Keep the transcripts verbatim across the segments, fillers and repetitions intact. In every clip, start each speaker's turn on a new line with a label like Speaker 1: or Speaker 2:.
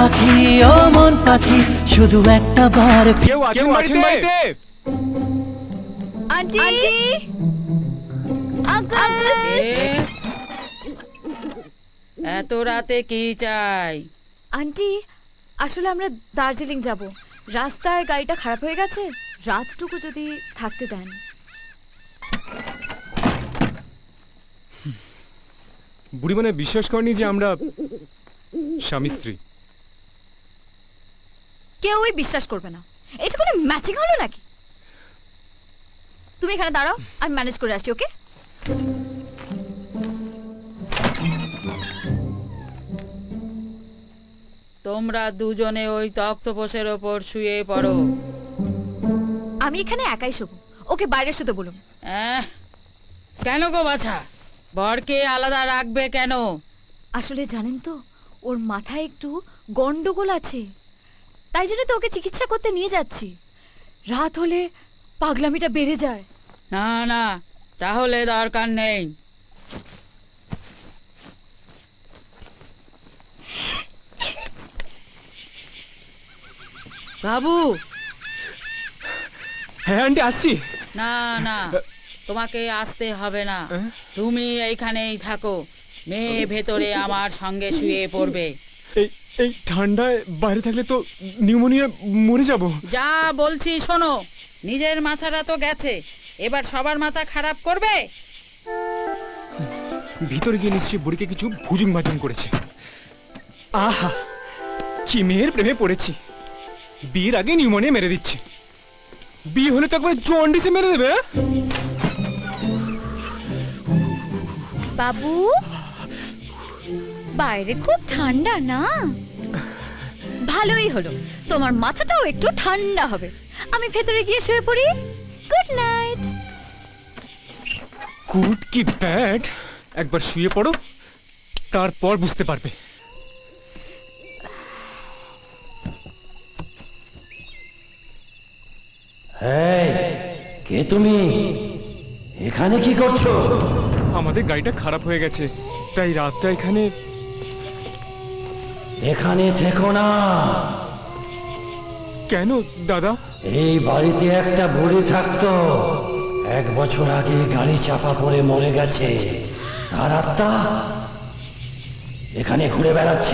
Speaker 1: পাখি ও মন পাখি শুধু একটা বার
Speaker 2: কেউ আছেন বাড়িতে?
Speaker 3: আন্টি আঙ্কেল
Speaker 4: এত রাতে কি চাই?
Speaker 3: আন্টি আসলে আমরা দার্জিলিং যাব, রাস্তায় গাড়িটা খারাপ হয়ে গেছে, রাতটুকু যদি থাকতে দেন।
Speaker 2: বুড়ি মানে বিশ্বাস করেনি যে আমরা স্বামী স্ত্রী।
Speaker 3: কেউই বিশ্বাস করবে না। এটা কোনো ম্যাচিং হলো নাকি? তুমি এখানে দাঁড়াও, আমি ম্যানেজ করে আসছি। ওকে?
Speaker 4: তোমরা দুজনে ওই তক্তপোষের ওপর শুয়ে পড়ো।
Speaker 3: আমি এখানে একাই শোবো, ওকে বাইরে শুতে বলুন।
Speaker 4: আহ, কেন গো বাছা, বরকে আলাদা রাখবে কেন?
Speaker 3: আসলে জানেন তো, ওর মাথায় একটু গন্ডগোল আছে, তাই জন্য তো ওকে চিকিৎসা করতে নিয়ে যাচ্ছি। রাত হলে পাগলামিটা বেড়ে যায়।
Speaker 4: না না, তাহলে দরকার নেই। বাবু।
Speaker 2: হ্যাঁ আন্টি আসছি।
Speaker 4: না না, তোমাকে আসতে হবে না, তুমি এইখানেই থাকো। মেয়ে ভেতরে আমার সঙ্গে শুয়ে পড়বে।
Speaker 2: এই এই ঠান্ডায় বাইরে থাকলে তো নিউমোনিয়া মরে যাব।
Speaker 4: যা বলছি শোনো, নিজের মাথাটা তো গেছে, এবার সবার মাথা খারাপ করবে?
Speaker 2: ভিতরে গিয়ে নিশ্চয়ই বুড়িকে কিছু ভুজুং ভাজুং করেছে। আহা, কি মেয়ের প্রেমে পড়েছি। বিয়ের আগে নিউমোনিয়া মেরে দিচ্ছে, বিয়ে হলে তো একবার জন্ডিসে মেরে দেবে।
Speaker 3: বাবু, বাইরে খুব ঠান্ডা না? ভালোই হলো, তোমার মাথাটাও একটু ঠান্ডা হবে। আমি ভেতরে গিয়ে শুয়ে পড়ি। Good night.
Speaker 2: গুড কি ব্যাড, একবার শুয়ে পড়ো, তারপর বুঝতে পারবে।
Speaker 5: কে তুমি? এখানে কি করছো?
Speaker 2: আমাদের গাড়িটা খারাপ হয়ে গেছে, তাই রাতটা এখানে।
Speaker 5: এখানে থেকো না।
Speaker 2: কেন দাদা?
Speaker 5: এই বাড়িতে একটা বুড়ি থাকতো, এক বছর আগে গাড়ি চাপা পড়ে মরে গেছে। তার আত্মা এখানে ঘুরে বেড়াচ্ছে।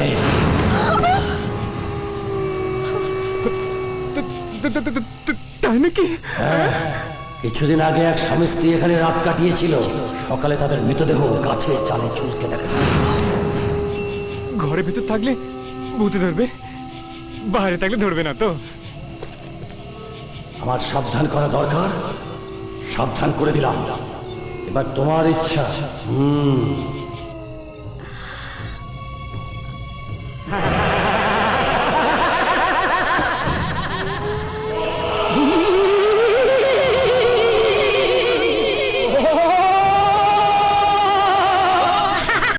Speaker 2: তাই নাকি?
Speaker 5: হ্যাঁ, কিছুদিন আগে এক স্বামী স্ত্রী এখানে রাত কাটিয়েছিল। সকালে তাদের মৃতদেহ গাছের চালে ঝুলকে দেখা যায়।
Speaker 2: ঘরের ভিতর থাকলে ভূতে ধরবে, বাইরে থাকলে ধরবে না তো?
Speaker 5: আমার সাবধান করা দরকার, সাবধান করে দিলাম। এবার তোমার ইচ্ছা। হুম